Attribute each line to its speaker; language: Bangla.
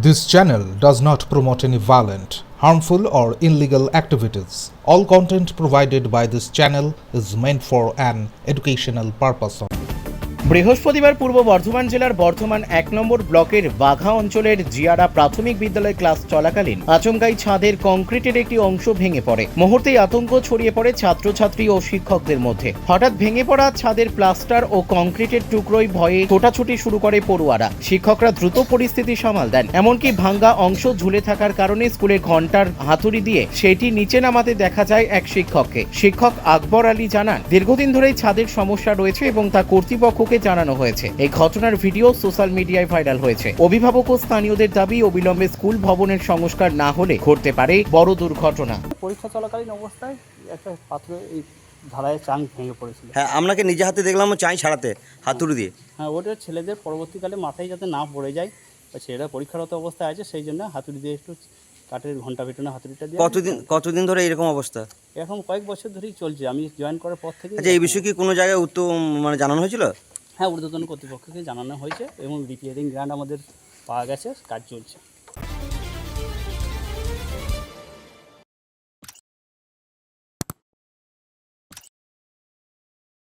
Speaker 1: This channel does not promote any violent, harmful, or illegal activities. All content provided by this channel is meant for an educational purpose only.
Speaker 2: বৃহস্পতিবার পূর্ব বর্ধমান জেলার বর্ধমান ১ নম্বর ব্লকের বাঘা অঞ্চলের জিয়ারা প্রাথমিক বিদ্যালয় ক্লাস চলাকালীন আচমকাই ছাদের কংক্রিটের একটি অংশ ভেঙে পড়ে। মুহূর্তেই আতঙ্ক ছড়িয়ে পড়ে ছাত্রছাত্রী ও শিক্ষকদের মধ্যে। হঠাৎ ভেঙে পড়া ছাদের প্লাস্টার ও কংক্রিটের টুকরোয় ভয়ে ছোটাছুটি শুরু করে পড়ুয়ারা। শিক্ষকরা দ্রুত পরিস্থিতি সামাল দেন। এমনকি ভাঙ্গা অংশ ঝুলে থাকার কারণে স্কুলের ঘণ্টার হাতুড়ি দিয়ে সেটি নিচে নামাতে দেখা যায় এক শিক্ষককে। শিক্ষক আকবর আলী জানান, দীর্ঘদিন ধরেই ছাদের সমস্যা রয়েছে এবং তা কর্তৃপক্ষকে জানানো হয়েছে। এই ঘটনার ভিডিও সোশ্যাল মিডিয়ায় ভাইরাল হয়েছে। অভিভাবক ও স্থানীয়দের দাবি, অবিলম্বে স্কুল ভবনের সংস্কার না হলে ঘটতে পারে বড় দুর্ঘটনা।
Speaker 3: পরীক্ষা চলাকালীন অবস্থায় একটা পাত্র এই ঢালাইয়ের চাং ভেঙে পড়েছিল।
Speaker 4: হ্যাঁ, আপনাকে নিজে হাতে দেখলাম চাই ছাড়াতে হাতুড়ি দিয়ে।
Speaker 3: হ্যাঁ, ওটা ছেলেদের পরবর্তীকালে মাথায় যাতে না পড়ে যায়, ছেলেরা পরীক্ষারত অবস্থায় আছে, সেই জন্য হাতুড়ি দিয়ে একটু কাঠের ঘন্টা পেটানো হাতুড়িটা দিয়ে।
Speaker 4: কতদিন ধরে এরকম অবস্থা?
Speaker 3: এখন কয়েক বছর ধরেই চলছে, আমি জয়েন করার পর থেকে।
Speaker 4: আচ্ছা, এই বিষয়ে কি কোনো জায়গায় জানানো হয়েছিল?
Speaker 3: হ্যাঁ, ঊর্ধ্বতন কর্তৃপক্ষকে জানানো হয়েছে এবং রিপেয়ারিং গ্রান্ট আমাদের পাওয়া গেছে, কাজ চলছে।